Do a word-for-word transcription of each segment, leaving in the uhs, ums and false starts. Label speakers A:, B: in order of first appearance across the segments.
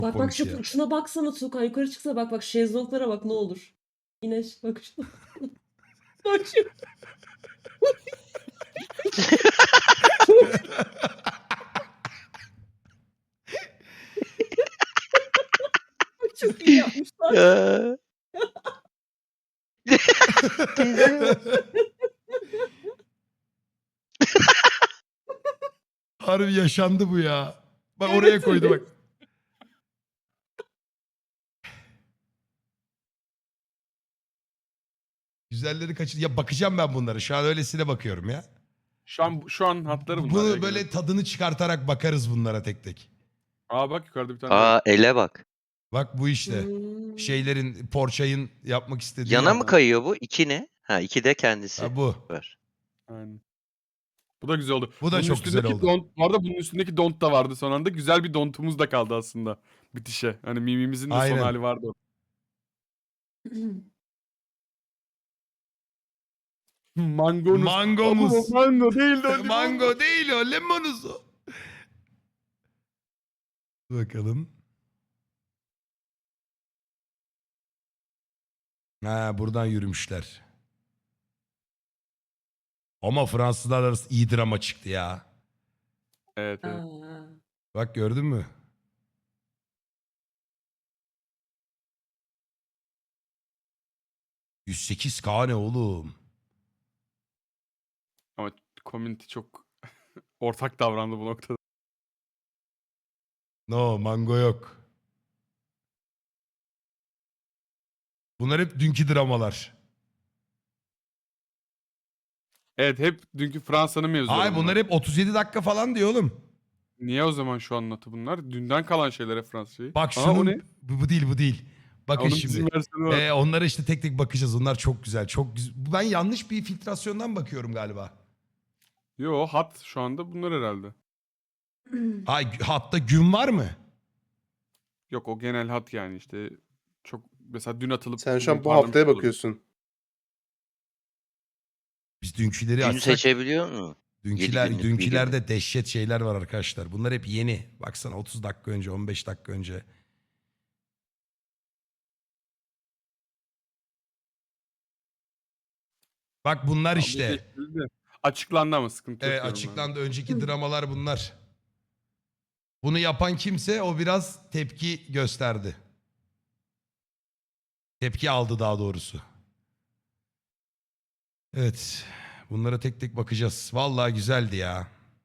A: Bak bak
B: komik
A: şu,
B: ya.
A: şuna baksana Tuğkan, yukarı çıksana, bak bak şezlonglara bak ne olur. İneş bak şuna. Bak şu. Çok, çok iyi yapmışlar.
C: Ya. Teyzeye bak.
B: Harbi yaşandı bu ya. Bak
A: Evet,
B: oraya koydu bak.
A: evet.
B: Güzelleri kaçır. Ya bakacağım ben bunlara. Şu an öylesine bakıyorum ya.
D: Şu an şu an hatları bunlar ya
B: Bunu
D: gene.
B: böyle tadını çıkartarak bakarız bunlara tek tek.
D: Aa bak yukarıda bir tane daha var.
C: Aa ele bak.
B: Bak bu işte.
A: Hmm.
B: Şeylerin, Porsche'in yapmak istediği.
C: Yana
B: yer.
C: mı kayıyor bu? İki ne? Ha iki de kendisi
B: Ha, bu.
C: var.
D: Aynen. Bu da güzel oldu.
B: Bu da
D: Bunun
B: çok güzel
D: üstündeki
B: oldu.
D: Don, bu arada bunun üstündeki dont da vardı son anda. Güzel bir dontumuz da kaldı aslında bitişe. Hani mimimizin de
B: Aynen.
D: son hali vardı. Mangonuz.
B: Mangomuz.
D: Ama o mango değil de o limon.
B: Mango değil o, lemonuz o. Bakalım. Ha buradan yürümüşler. Ama Fransızlar arası iyi drama çıktı ya.
D: Evet evet.
A: Aa.
B: Bak gördün mü? yüz sekiz K ne oğlum?
D: Ama community çok ortak davrandı bu noktada.
B: No, mango yok. Bunlar hep dünkü dramalar.
D: Evet hep dünkü Fransa'nın mevzuları
B: Ay
D: bunlar.
B: bunlar hep otuz yedi dakika falan diyor oğlum.
D: Niye o zaman şu anlatı bunlar? Dünden kalan şeylere Fransa'yı.
B: Bak
D: Aa, o
B: şunun
D: ne?
B: bu, bu değil bu değil. Bakın
D: Onun
B: şimdi.
D: bizim versiyonu var.
B: Ee, onlara işte tek tek bakacağız. Onlar çok güzel. Çok güzel. Ben yanlış bir filtrasyondan bakıyorum galiba.
D: Yo hat şu anda bunlar herhalde.
B: Ay hatta gün var mı?
D: Yok o genel hat yani işte. Çok mesela dün atılıp
E: Sen şu an
D: bugün
E: bu
D: parlamış
E: haftaya
D: olur.
E: bakıyorsun.
B: Biz dünküleri
C: Gün
B: açsak.
C: seçebiliyor mu?
B: Dünküler,
C: günlük
B: dünkülerde dehşet şeyler var arkadaşlar. Bunlar hep yeni. Baksana otuz dakika önce, on beş dakika önce. Bak bunlar
D: Abi
B: işte.
D: değiştirildi. Açıklandı ama sıkıntı yok.
B: Evet,
D: diyorum
B: açıklandı. Önceki dramalar bunlar. Bunu yapan kimse o biraz tepki gösterdi. Tepki aldı daha doğrusu. Evet. Bunlara tek tek bakacağız. Vallahi güzeldi ya.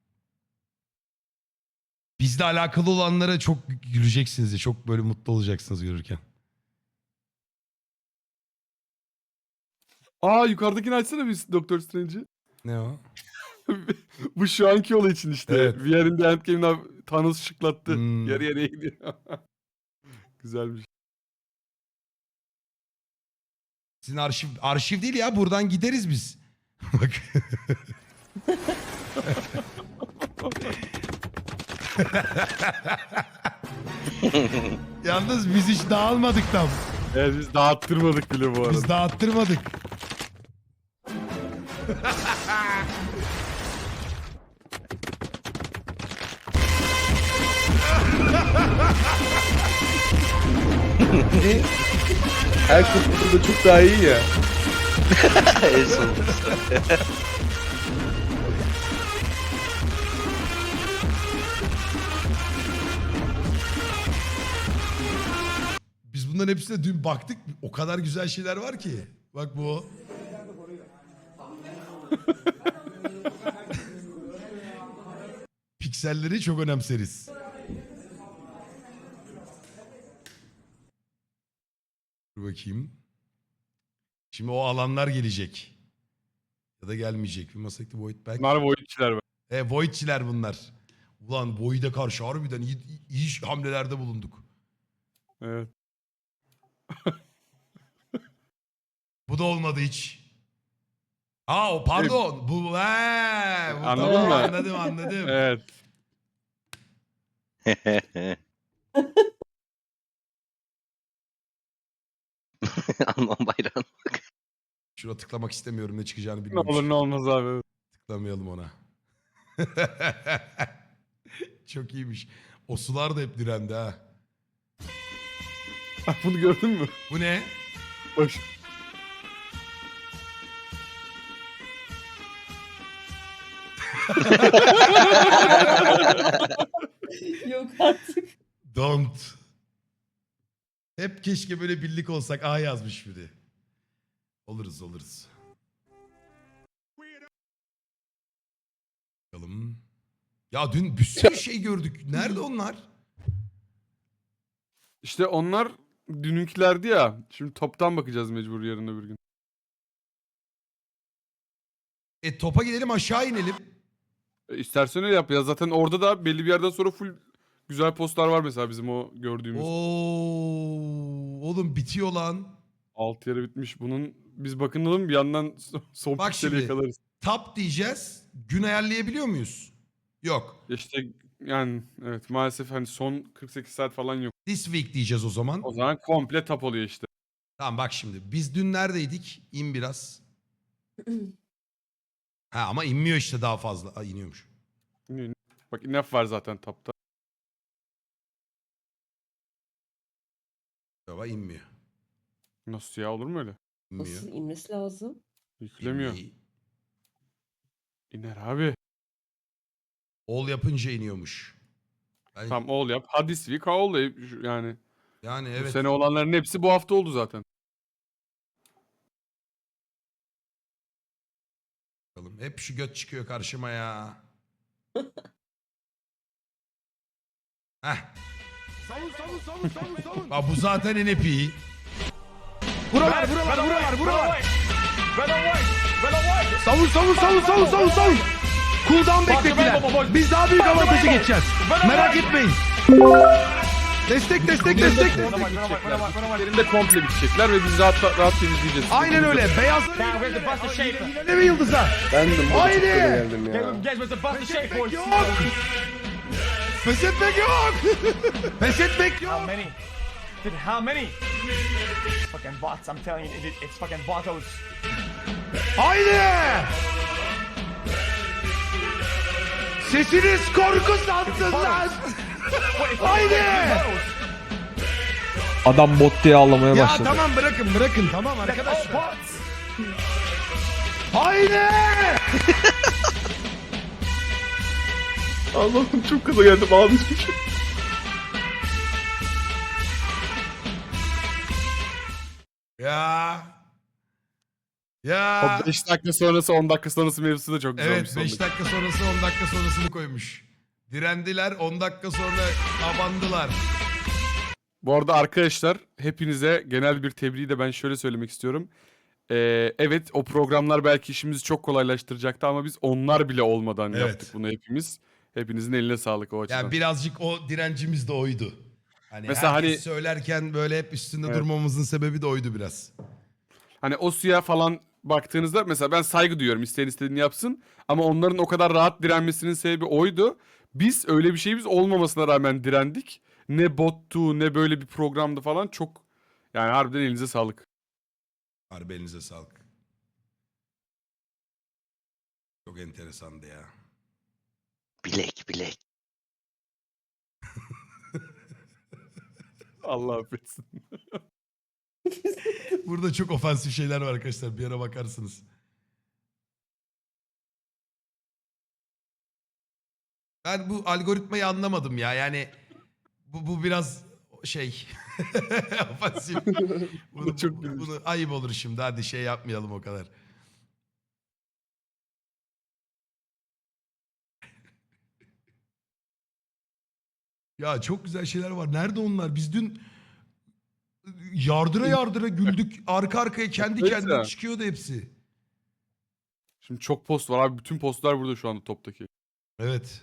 B: Bizle alakalı olanlara çok güleceksiniz ya. Çok böyle mutlu olacaksınız görürken.
D: ben. Aa yukarıdakini açsana biz Doktor Strange'i.
B: Ne o?
D: Bu şu anki olay için işte.
B: Evet.
D: We are in the Endgame'den Thanos şıklattı.
B: Hmm.
D: Yarı yarıya gidiyor. Güzelmiş.
B: Sizin arşiv arşiv değil ya. Buradan gideriz biz. Bak. Yalnız biz hiç dağılmadık tam.
D: Evet biz dağıttırmadık bile bu arada.
B: Biz dağıttırmadık.
E: Her kurtulduğunda çok daha iyi ya.
C: en son.
B: Biz bunların hepsine dün baktık. O kadar güzel şeyler var ki. Bak bu o. Pikselleri çok önemseriz. Dur bakayım. Şimdi o alanlar gelecek. Ya da gelmeyecek. Bir masakta Void Back.
D: Bunlar Void'çiler var.
B: E, Void'çiler bunlar. Ulan Void'e karşı harbiden iyi, iyi hamlelerde bulunduk.
D: Evet.
B: Bu da olmadı hiç. Aa o pardon. Bu, he, bu
D: Anladın
B: tamam,
D: mı?
B: Anladım anladım.
D: Evet.
C: Alman bayrağını.
B: Şuna tıklamak istemiyorum, ne çıkacağını
D: Ne
B: bilmiyorum.
D: olur ne olmaz abi.
B: Tıklamayalım ona. Çok iyiymiş. O sular da hep direndi ha.
D: Bak bunu gördün mü?
B: Bu ne?
D: Bak.
A: Yok artık.
B: Don't. Hep keşke böyle birlik olsak. A yazmış biri. Oluruz oluruz. Bakalım. Ya dün bir sürü şey gördük. Nerede onlar?
D: İşte onlar dününkilerdi ya. Şimdi toptan bakacağız mecbur yarın öbür gün.
B: E topa gidelim aşağı inelim.
D: E, istersen öyle yap ya. Zaten orada da belli bir yerden sonra full güzel postlar var mesela bizim o gördüğümüz.
B: Oo, oğlum bitiyor lan.
D: Alt yarı bitmiş. Bunun biz bakınalım bir yandan son
B: Bak
D: pikseli
B: şimdi.
D: yakalarız.
B: Tap diyeceğiz. Gün ayarlayabiliyor muyuz? Yok.
D: İşte yani evet maalesef hani son kırk sekiz saat falan yok.
B: This week diyeceğiz o zaman.
D: O zaman komple tap oluyor işte.
B: Tamam bak şimdi. Biz dün neredeydik? İn biraz. Ha ama inmiyor işte daha fazla. Aa, iniyormuş.
D: Bak enough var zaten tapta.
B: Baba inmiyor.
D: Nasıl ya olur mu öyle?
B: İnmiyor.
A: Nasıl inmesi lazım?
D: Yüklemiyor.
B: İnmeyi-
D: İner abi.
B: All yapınca iniyormuş. Ben-
D: Tam all yap. Hadi this week all yap. Yani
B: Yani
D: bu
B: evet.
D: sene olanların hepsi bu hafta oldu zaten.
B: Bakalım. Hep şu göt çıkıyor karşıma ya. Heh. Aa, bu zaten N P.
E: Buralar buralar buralar buralar. Savun savun savun savun savun savun. Cooldown beklediler. Biz daha büyük avantajı geçeceğiz. Merak etmeyin. Destek destek destek.
D: Yerinde komple bitecekler ve biz rahat rahat temizleyeceğiz.
E: Aynen öyle. Beyaz. Ne mi yıldıza?
F: Ben de
E: Haydi.
F: geldim ya.
E: Yok. Pes etmek yok. Pes etmek yok.
G: How many? Dude, how many? Fucking bots, I'm telling you, it, it's fucking botos.
E: Haydi. Sesiniz korku sansın lan. Haydi.
F: Adam bot diye ağlamaya
E: Ya
F: başladı.
E: tamam bırakın bırakın tamam arkadaşlar. Haydi.
D: Allah'ım çok kaza geldim ağlayacağım.
B: Ya. Ya.
D: O beş dakika sonrası on dakika sonrası mevzusu da çok güzelmiş.
B: Evet beş dakika sonrası on dakika sonrasını koymuş. Direndiler on dakika sonra abandılar.
D: Bu arada arkadaşlar hepinize genel bir tebriği de ben şöyle söylemek istiyorum. Ee, evet o programlar belki işimizi çok kolaylaştıracaktı ama biz onlar bile olmadan
B: Evet.
D: yaptık bunu hepimiz. Hepinizin eline sağlık o açıdan.
B: Yani birazcık o direncimiz de oydu. Hani
D: Mesela
B: herkes
D: hani-
B: söylerken böyle hep üstünde
D: Evet.
B: durmamızın sebebi de oydu biraz.
D: Hani o suya falan baktığınızda mesela ben saygı duyuyorum isteyen istediğini yapsın. Ama onların o kadar rahat direnmesinin sebebi oydu. Biz öyle bir şeyimiz olmamasına rağmen direndik. Ne bottu ne böyle bir programdı falan çok yani harbiden elinize sağlık.
B: Harbi elinize sağlık. Çok enteresandı ya.
C: Bilek bilek.
D: Allah affetsin.
B: Burada çok ofansif şeyler var arkadaşlar. Bir ara bakarsınız. Ben bu algoritmayı anlamadım ya. Yani bu, bu biraz şey ofansif. Bunu,
D: çok
B: bu-
D: gülmüş.
B: bunu ayıp olur şimdi. Hadi şey yapmayalım o kadar. Ya çok güzel şeyler var. Nerede onlar? Biz dün yardıra yardıra güldük. Arka arkaya kendi
D: Evet
B: kendine
D: ya.
B: çıkıyordu hepsi.
D: Şimdi çok post var abi. Bütün postlar burada şu anda toptaki.
B: Evet.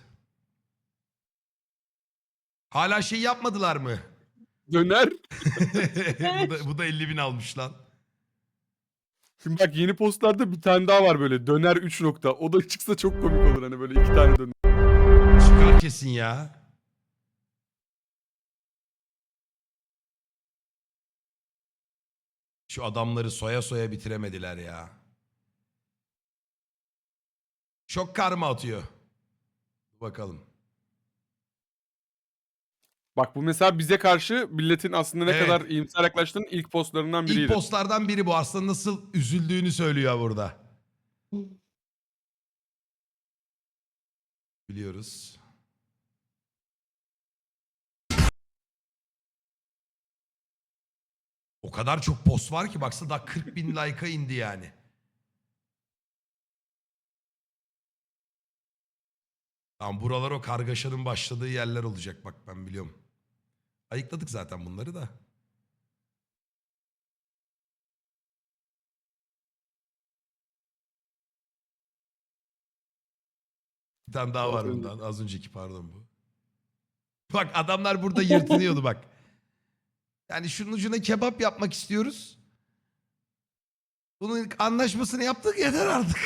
B: Hala şey yapmadılar mı?
D: Döner.
B: bu, da, bu da elli bin almış lan.
D: Şimdi bak yeni postlarda bir tane daha var böyle. Döner üç nokta. O da çıksa çok komik olur hani böyle iki tane döner.
B: Çıkar kesin ya. Şu adamları soya soya bitiremediler ya. Çok karma atıyor. Bakalım.
D: Bak bu mesela bize karşı milletin aslında ne
B: Evet.
D: kadar iyimser yaklaştığının ilk postlarından biriydi.
B: İlk postlardan biri bu. Aslında nasıl üzüldüğünü söylüyor burada. Biliyoruz. O kadar çok post var ki baksana daha kırk bin like'a indi yani. Tamam buralar o kargaşanın başladığı yerler olacak bak ben biliyorum. Ayıkladık zaten bunları da. Bir tane daha var bundan. Az önceki pardon bu. Bak adamlar burada yırtınıyordu bak. Yani şunun ucuna kebap yapmak istiyoruz. Bunun anlaşmasını yaptık yeter artık.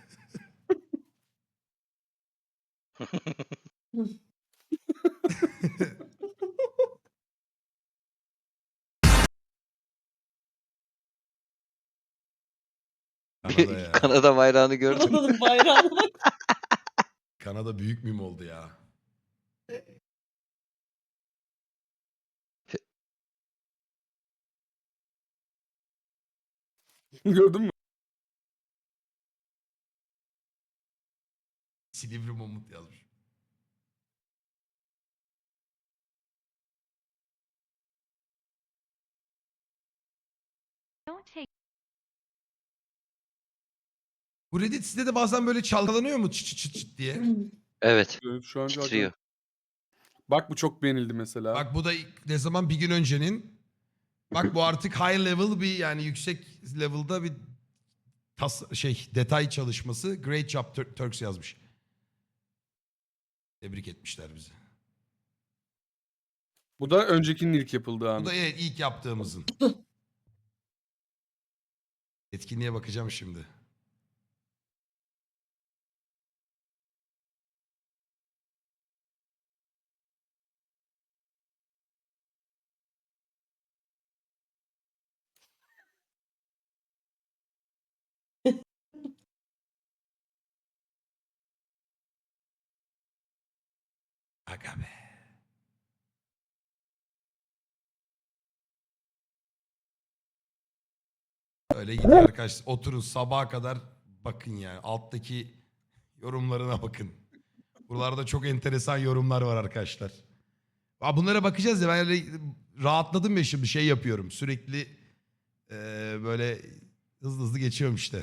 B: Kanada ya.
C: Kanada bayrağını gördüm.
A: Kanada'nın bayrağına bak.
B: Kanada büyük müm oldu ya.
D: Gördün mü?
B: Silivri Mamut yazmış. Bu Reddit sitede bazen böyle çalkalanıyor mu çıt çıt çıt çıt diye?
C: Evet.
D: Evet, şu an
C: Titriyor.
D: Bak bu çok beğenildi mesela.
B: Bak bu da ilk- ne zaman bir gün öncenin. Bak bu artık high level bir yani yüksek level'da bir tas şey detay çalışması. Great job Tur- Turks yazmış. Tebrik etmişler bizi.
D: Bu da öncekinin ilk yapıldığı
B: Bu
D: an.
B: da evet ilk yaptığımızın. Etkinliğe bakacağım şimdi. Aga be. Öyle gidiyor arkadaşlar. Oturun sabaha kadar bakın yani. Alttaki yorumlarına bakın. Buralarda çok enteresan yorumlar var arkadaşlar. Aa, bunlara bakacağız ya ben öyle rahatladım ya şimdi şey yapıyorum. Sürekli eee, böyle hızlı hızlı geçiyorum işte.